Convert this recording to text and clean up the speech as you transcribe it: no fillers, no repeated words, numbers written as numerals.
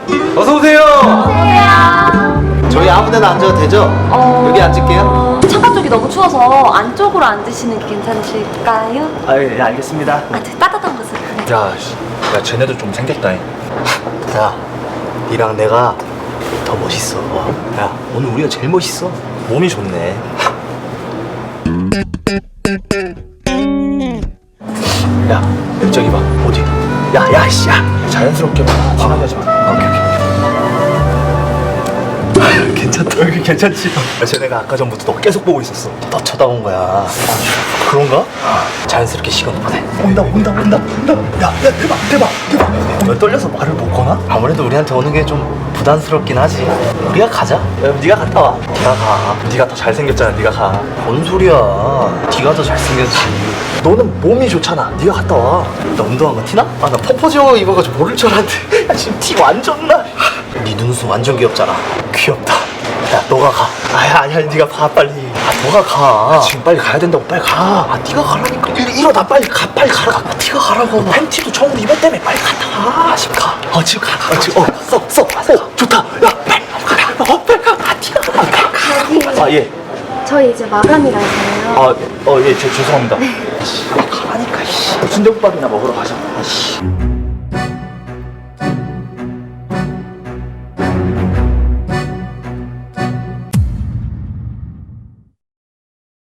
어서 오세요. 안녕하세요. 저희 아무데나 앉아도 되죠? 여기 앉을게요. 창가 쪽이 너무 추워서 안쪽으로 앉으시는 게 괜찮으실까요? 아, 예, 알겠습니다. 되게 따뜻한 곳으로. 네. 야, 쟤네도 좀 생겼다. 야, 니랑 내가 더 멋있어. 야, 오늘 우리가 제일 멋있어. 몸이 좋네. 야, 저기 봐. 어디? 야, 씨, 야. 자연스럽게 봐. 티나게 하지 마. 오케이. 괜찮다. 여기 괜찮지? 야, 쟤네가 아까 전부터 너 계속 보고 있었어. 너 쳐다본 거야. 그런가? 자연스럽게 시간 보내. 온다. 야, 대박. 왜 떨려서 말을 못 거나? 아무래도 우리한테 오는 게 좀 부담스럽긴 하지. 우리가 가자. 야, 네가 갔다 와. 네가 가. 네가 더 잘생겼잖아. 네가 가. 뭔 소리야? 네가 더 잘생겼지. 너는 몸이 좋잖아. 네가 갔다 와. 나 운동한 거 티나? 아, 나 퍼포즈 입어가지고 모를 줄 알았는데. 야, 지금 티 완전 나. 네 눈웃음 완전 귀엽잖아. 귀엽다. 야, 너가 가. 아니야, 네가 가 빨리. 너가 가. 지금 빨리 가야 된다고. 빨리 가. 네가 가라니까. 일어나 빨리 가. 빨리 가라. 네가 가라고. 팬티도 처음으로 입었다며. 빨리 갔다 와. 지금 가. 지금 가. 지금 써. 좋다. 야, 빨리 가. 네가 가. 예. 저희 이제 마감이라서요. 예, 죄송합니다. 가라니까. 순대국밥이나 먹으러 가자.